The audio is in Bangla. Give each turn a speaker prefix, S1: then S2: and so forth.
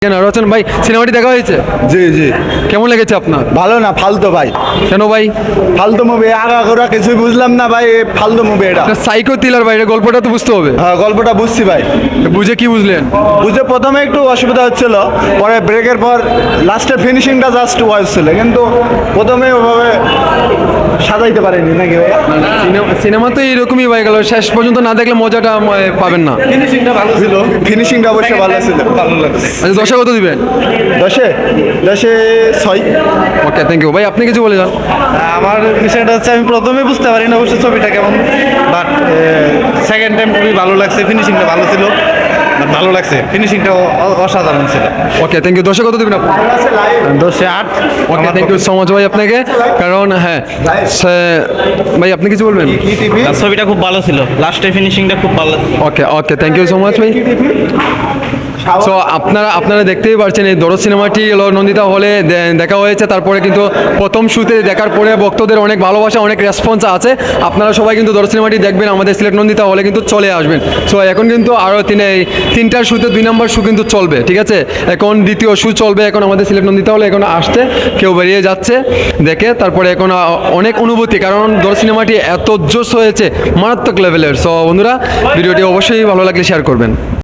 S1: কেন রচন ভাই সিনেমাটি দেখা হয়েছে?
S2: জি জি
S1: কেমন লেগেছে আপনার?
S2: ভালো না, ফালতু ভাই,
S1: কেন ভাই?
S2: ফালতু মুভি। আগাগোড়া কিছুই বুঝলাম না ভাই, ফালতু মুভি এটা।
S1: সাইকো থ্রিলার ভাই, এটা গল্পটা তো বুঝতে হবে।
S2: হ্যাঁ, গল্পটা বুঝছি ভাই।
S1: বুঝে কি বুঝলেন?
S2: বুঝে প্রথমে একটু অসুবিধা হচ্ছিল, পরে ব্রেকের পর লাস্টের ফিনিশিংটা জাস্ট ওয়াইজ ছিল, কিন্তু প্রথমে ওভাবে সাজাইতে পারেনি নাকি ভাই?
S1: সিনেমা তো এইরকমই হয়ে গেল, শেষ পর্যন্ত না দেখলে মজাটা পাবেন না।
S2: ফিনিশিংটা ভালো ছিল, ফিনিশিংটা অবশ্যই ভালো ছিল, ভালো লাগছে।
S1: আচ্ছা, দশে কত দিবেন?
S2: 10-এ 6।
S1: ওকে, থ্যাংক ইউ ভাই। আপনি কিছু বলে যান।
S3: আমার বিষয়টা হচ্ছে আমি প্রথমে বুঝতে পারি না অবশ্য ছবিটা কেমন, বাট সেকেন্ড টাইম খুবই ভালো লাগছে, ফিনিশিংটা ভালো ছিল, ভালো লাগছে, ফিনিশিংটা অসাধারণ ছিল।
S1: Okay, thank you. দশে কত দিবেন আপনি?
S3: 10-এ 8।
S1: Okay, thank you so much ভাই আপনাকে। কারণ হ্যাঁ ভাই, আপনি কিছু বলবেন?
S3: ছবিটা খুব ভালো ছিল, লাস্টে ফিনিশিংটা খুব ভালো।
S1: Okay okay, thank you so much ভাই। সো আপনারা দেখতেই পাচ্ছেন এই দরদ সিনেমাটি নন্দিতা হলে দেখা হয়েছে। তারপরে কিন্তু প্রথম শুতে দেখার পরে ভক্তদের অনেক ভালোবাসা, অনেক রেসপন্স আছে। আপনারা সবাই কিন্তু দরদ সিনেমাটি দেখবেন, আমাদের সিলেট নন্দিতা হলে কিন্তু চলে আসবেন। সো এখন কিন্তু আরও তিনটার শুতে 2 নম্বর শু কিন্তু চলবে, ঠিক আছে? এখন দ্বিতীয় শু চলবে এখন আমাদের সিলেট নন্দিতা হলে। এখন আসছে, কেউ বেরিয়ে যাচ্ছে দেখে। তারপরে এখন অনেক অনুভূতি, কারণ দরদ সিনেমাটি এত জোশ হয়েছে, মারাত্মক লেভেলের। সো বন্ধুরা, ভিডিওটি অবশ্যই ভালো লাগলে শেয়ার করবেন।